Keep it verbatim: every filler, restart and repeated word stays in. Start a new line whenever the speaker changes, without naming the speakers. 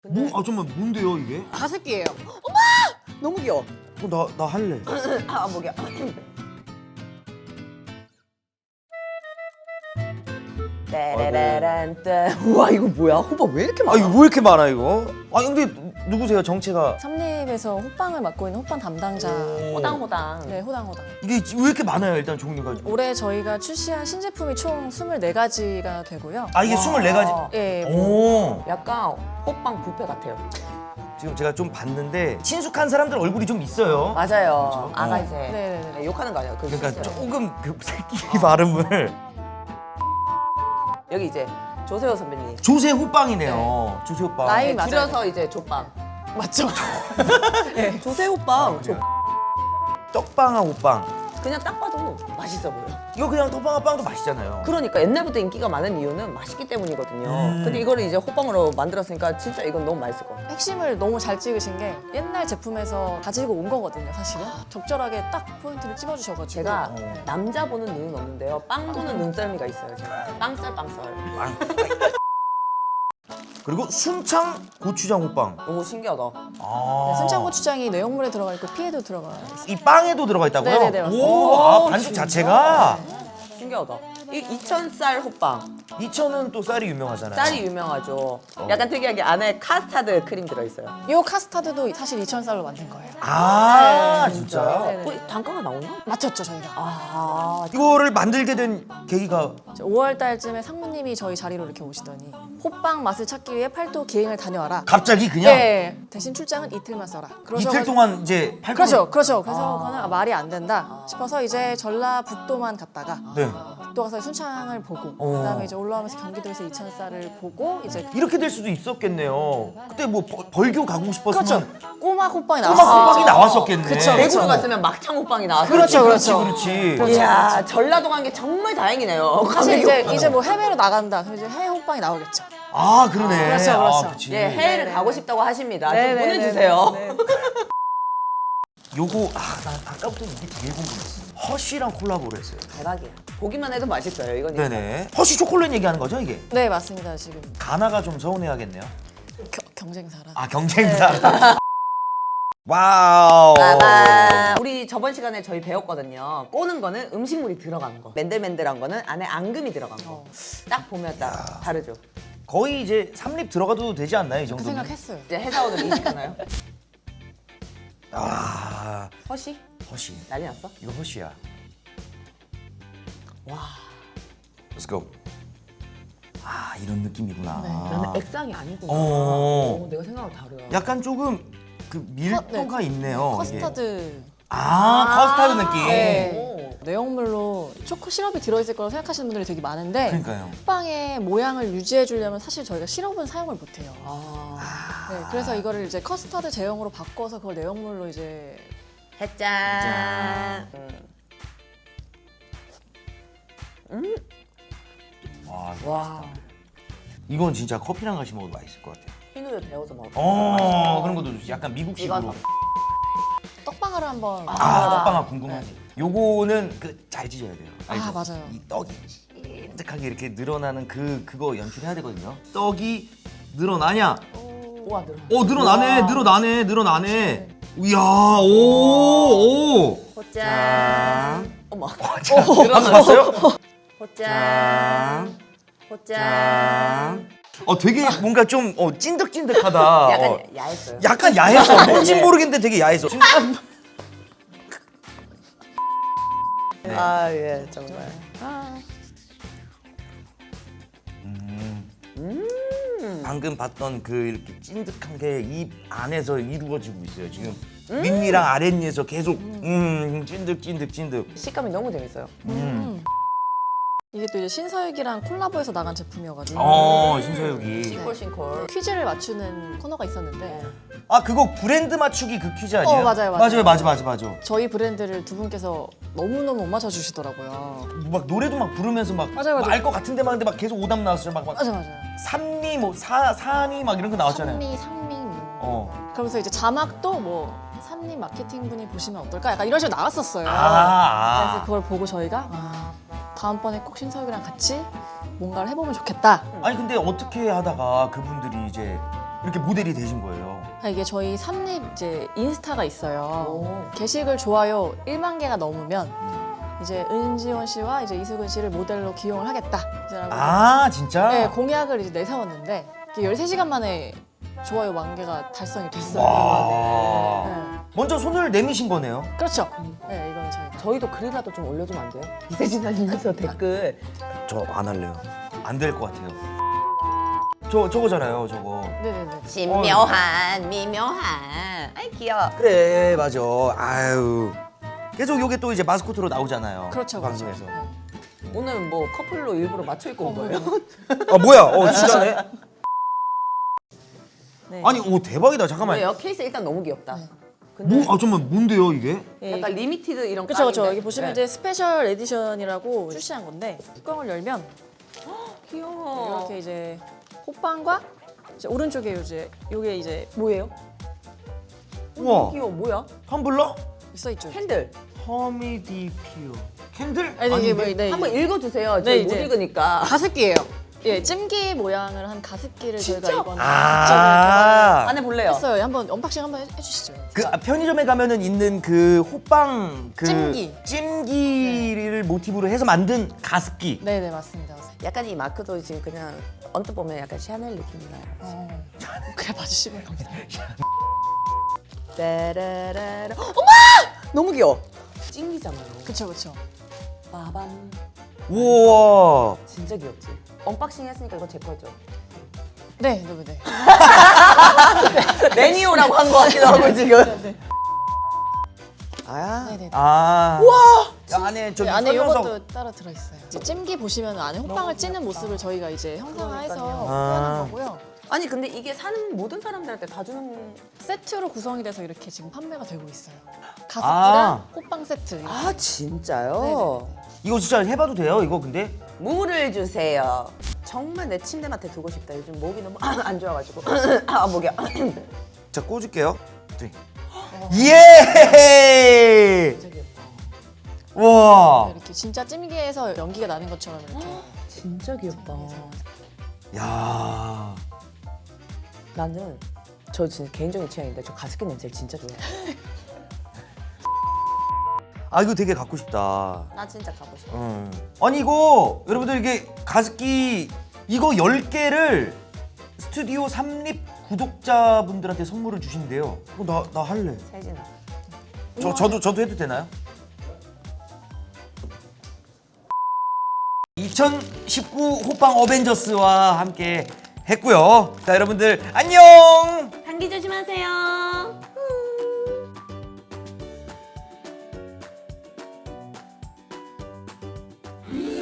뭐? 아 잠깐만 뭔데요 이게?
가습기예요. 어머! 너무 귀여워.
어, 나, 나 할래.
아, 목이야. 따라라란 따. 우와, 이거 뭐야? 호박 왜 이렇게
아
많아?
이거 뭐 이렇게 많아 이거? 아 근데 누- 누구세요 정체가?
삼립에서 호빵을 맡고 있는 호빵 담당자.
호당호당.
네, 호당호당.
이게 왜 이렇게 많아요 일단 종류가?
올해 저희가 출시한 신제품이 총 스물네 가지가 되고요.
아 이게
와.
스물네 가지?
예,
오.
약간 호빵 뷔페 같아요.
지금 제가 좀 봤는데 친숙한 사람들 얼굴이 좀 있어요.
맞아요.
그렇죠?
아가새.
네네네.
네, 욕하는 거 아니에요? 그
그러니까
실제로.
조금 그 새끼 발음을
여기 이제 조세호 선배님.
조세 호빵이네요. 조세 호빵.
나이
네,
맞아요.
줄여서 이제 조빵.
맞죠?
조세호 빵. 조...
떡빵아 호빵.
그냥 딱 봐도 맛있어 보여.
이거 그냥 떡빵아 빵도 맛있잖아요.
그러니까 옛날부터 인기가 많은 이유는 맛있기 때문이거든요.
음.
근데 이거를 이제 호빵으로 만들었으니까 진짜 이건 너무 맛있을 것 같아요.
핵심을 너무 잘 찍으신 게 옛날 제품에서 가지고 온 거거든요, 사실은. 적절하게 딱 포인트를 찝어주셔가지고.
제가
어.
남자 보는 눈은 없는데요. 빵 보는 눈썰미가 있어요. 제가. 빵썰 빵썰.
그리고 순창 고추장 호빵.
오 신기하다.
아.
네, 순창고추장이 내용물에 들어가 있고 피에도 들어가 있어요.
이 빵에도 들어가 있다고요?
네네네, 맞습니다.
오, 아 반죽 자체가
신기하다. 이 이천 쌀 호빵.
이천은 또 쌀이 유명하잖아요.
쌀이 유명하죠. 약간 특이하게 안에 카스타드 크림 들어있어요.
이 카스타드도 사실 이천 쌀로 만든 거예요.
아
네,
진짜요?
네네.
어, 단가가 나오나?
맞췄죠, 저희가.
아,
이거를 만들게 된 계기가
오월 달쯤에 상무님이 저희 자리로 이렇게 오시더니 호빵 맛을 찾기 위해 팔도 기행을 다녀와라.
갑자기 그냥
네, 대신 출장은 이틀만 써라.
이틀
그러셔가지고-
동안 이제 팔
그렇죠, 그렇죠. 그래서 그거는 아, 말이 안 된다 싶어서 이제 전라북도만 갔다가
네.
북도 가서 순창을 보고
어.
그다음에 이제 올라오면서 경기도에서 이천 쌀을 보고 이제
이렇게 될 수도 있었겠네요. 그때 뭐 벌- 벌교 가고 싶었으면
그렇죠. 꼬막 호빵이
꼬막
나왔어요.
호빵이 나왔었겠네.
그쵸,
대구로
그쵸.
갔으면 막창 호빵이 나왔어요.
그렇죠,
그렇지,
그렇죠.
그렇지.
그렇죠.
이야, 전라도 간 게 정말 다행이네요.
사실 이제
감기
이제 뭐 해외로 나간다. 그럼 이제 해외 호빵이 나오겠죠.
아 그러네.
그렇죠, 그렇죠.
아, 그치.
예, 해외를
네네.
가고 싶다고 하십니다. 좀
네네네.
보내주세요.
네.
요거 아나 아까부터 이게 되게 궁금했어. 허쉬랑 콜라보를 했어요.
대박이야. 보기만 해도 맛있어요. 이건
네네. 허쉬 초콜릿 얘기하는 거죠 이게?
네, 맞습니다. 지금
가나가 좀 서운해하겠네요.
겨, 경쟁사라.
아 경쟁사. 와우.
빠밤. 우리 저번 시간에 저희 배웠거든요. 꼬는 거는 음식물이 들어간 거. 맨들맨들한 거는 안에 앙금이 들어간 거.
어.
딱 보면 딱 다르죠.
거의 이제 삼립 들어가도 되지 않나요 이
그
정도면?
생각했어요.
이제 회사원을 이직하나요?
아
허시?
허쉬.
난리 났어?
이거 허쉬야.
와.
Let's go. 아 이런 느낌이구나.
네.
나는 액상이 아니구나.
어.
어, 내가 생각하고 다르야.
약간 조금 그 밀도가
네.
있네요.
커스터드.
이게. 아, 커스터드 느낌.
네.
오.
내용물로 초코 시럽이 들어있을 거라고 생각하시는 분들이 되게 많은데
그러니까요.
호빵의 모양을 유지해 주려면 사실 저희가 시럽은 사용을 못 해요.
아.
네, 그래서 이거를 이제 커스터드 제형으로 바꿔서 그걸 내용물로 이제
해짠. 음.
와,
와.
이건 진짜 커피랑 같이 먹어도 맛있을 것 같아요.
흰우유 데워서 먹어.
어, 그런 것도 좋지. 약간 미국식으로.
이거
떡방아를 한번
아,
아.
떡방아 궁금하지. 요거는 그 잘 찢어야 돼요. 알죠?
아, 맞아요.
이 떡이 찐득하게 이렇게 늘어나는 그 그거 연출해야 되거든요. 떡이 늘어나냐?
우와 늘어.
어, 늘어나네,
우와.
늘어나네, 늘어나네. 이야, 오, 오.
호짠. 어머.
자, 들어봤어요?
호짠. 호짠.
짠. 어, 되게 뭔가 좀 어, 찐득찐득하다.
약간
어,
야했어요.
약간 야했어. 뭔진
네.
모르겠는데 되게 야했어. 네.
아, 예, 정말.
음. 방금 봤던 그 이렇게 찐득한 게 입 안에서 이루어지고 있어요. 지금 윗니랑 아랫니에서 계속 음 찐득 찐득 찐득.
식감이 너무 재밌어요.
음.
이게 또 이제 신서유기랑 콜라보해서 나간 제품이어가지고
어 신서유기.
싱콜싱콜.
퀴즈를 맞추는 코너가 있었는데
아 그거 브랜드 맞추기 그 퀴즈 아니에요?
어, 맞아요, 맞아요.
맞아요 맞아 맞아 맞아.
저희 브랜드를 두 분께서 너무너무 못 맞춰주시더라고요.
막 노래도 막 부르면서 막
맞아요, 맞아요.
알 것 같은데 막 근데 막 계속 오답 나왔어요. 막, 막
맞아 맞아요.
산미 뭐 사 사니 막 이런 거 나왔잖아요.
산미, 상미.
어.
그러면서 이제 자막도 뭐 산미 마케팅 분이 보시면 어떨까? 약간 이런 식으로 나왔었어요.
아, 아.
그래서 그걸 보고 저희가 아, 다음번에 꼭 신서유기랑 같이 뭔가를 해보면 좋겠다.
아니 근데 어떻게 하다가 그분들이 이제 이렇게 모델이 되신 거예요?
아, 이게 저희 삼립 이제 인스타가 있어요.
오.
게시글 좋아요 일만 개가 넘으면 이제 은지원 씨와 이제 이수근 씨를 모델로 기용을 하겠다. 이제라고
아 진짜?
네, 공약을 이제 내세웠는데 이게 열세 시간 만에 좋아요 만 개가 달성이 됐어요.
와.
네.
먼저 손을 내미신 거네요.
그렇죠. 네, 이거는 저희가.
저희도 글이라도 좀 올려주면 안 돼요? 이세진 아니면서 댓글.
저 안 할래요. 안 될 것 같아요. 저 저거잖아요, 저거.
네네네.
신묘한 미묘한. 아이 귀여워.
그래, 맞아. 아유. 계속 요게 또 이제 마스코트로 나오잖아요.
그렇죠.
방송에서.
그렇죠. 네.
오늘 뭐 커플로 일부러 맞춰 입고 온 거예요?
아 뭐야? 어 진짜네.
네.
아니, 오 대박이다. 잠깐만.
왜요? 케이스 일단 너무 귀엽다.
네.
근데
뭐, 아 잠깐만, 뭔데요 이게?
예,
약간 리미티드 이런
그렇죠, 그렇죠.
깡인데?
여기 보시면
네.
이제 스페셜 에디션이라고 출시한 건데 뚜껑을 열면
귀여워.
이렇게 이제 호빵과 이제 오른쪽에 이제 요게 이제
뭐예요?
우와.
귀여워. 뭐야?
텀블러?
써 있죠.
캔들.
허미디피오. 캔들?
아니 이게 뭐
아닌데?
네,
한번
이게
읽어주세요.
네,
저희 못
이제.
읽으니까.
가습기예요. 예, 찜기 모양을 한 가습기를
진짜?
저희가 이번에
아.
안에 볼래요?
했어요. 한번 언박싱 한번 해- 해주시죠.
그 아, 편의점에 가면은 있는 그 호빵 그
찜기.
찜기를 모티브로 해서 만든 가습기.
네네 맞습니다. 맞습니다.
약간 이 마크도 지금 그냥 언뜻 보면 약간 샤넬 느낌이 나요.
어, 그래 봐주시면 감사합니다.
따라라라. 어머! 너무 귀여워. 찡기잖아요.
그쵸 그쵸.
빠밤.
우와.
진짜 귀엽지? 언박싱 했으니까 이거 제 거죠?
네, 네, 네.
매니오라고 한 거 같기도 하고 지금. 아,
네네.
아. 우와. 안에 저기
네, 안에
설명서.
요것도 따로 들어있어요. 이제 찜기 보시면 안에 호빵을 찌는 모습을 저희가 이제 형상화해서
그러니까요.
표현한
아.
거고요.
아니 근데 이게 사는 모든 사람들한테 다 주는.
세트로 구성이 돼서 이렇게 지금 판매가 되고 있어요. 가습기랑
아.
호빵 세트. 이렇게.
아 진짜요?
이거 진짜 해봐도 돼요? 이거 근데?
물을 주세요. 정말 내 침대맡에 두고 싶다. 요즘 목이 너무 안 좋아가지고. 아 목이야.
자 꽂을게요. 쓰리. 예!
진짜 귀엽다.
와.
이렇게 진짜 찜기에서 연기가 나는 것처럼 이렇게.
진짜 귀엽다.
야.
나는 저 진짜 개인적인 취향인데 저 가습기 냄새를 진짜 좋아해요.
아 이거 되게 갖고 싶다.
나 진짜 가고 싶어.
음. 아니 이거 여러분들 이게 가습기 이거 열 개를 스튜디오 삼립 구독자분들한테 선물을 주신대요. 어, 나, 나 할래.
세진아.
저, 저도 저도 해도 되나요? 이천십구 호빵 어벤져스와 함께 했고요. 자 여러분들 안녕.
감기 조심하세요. 음.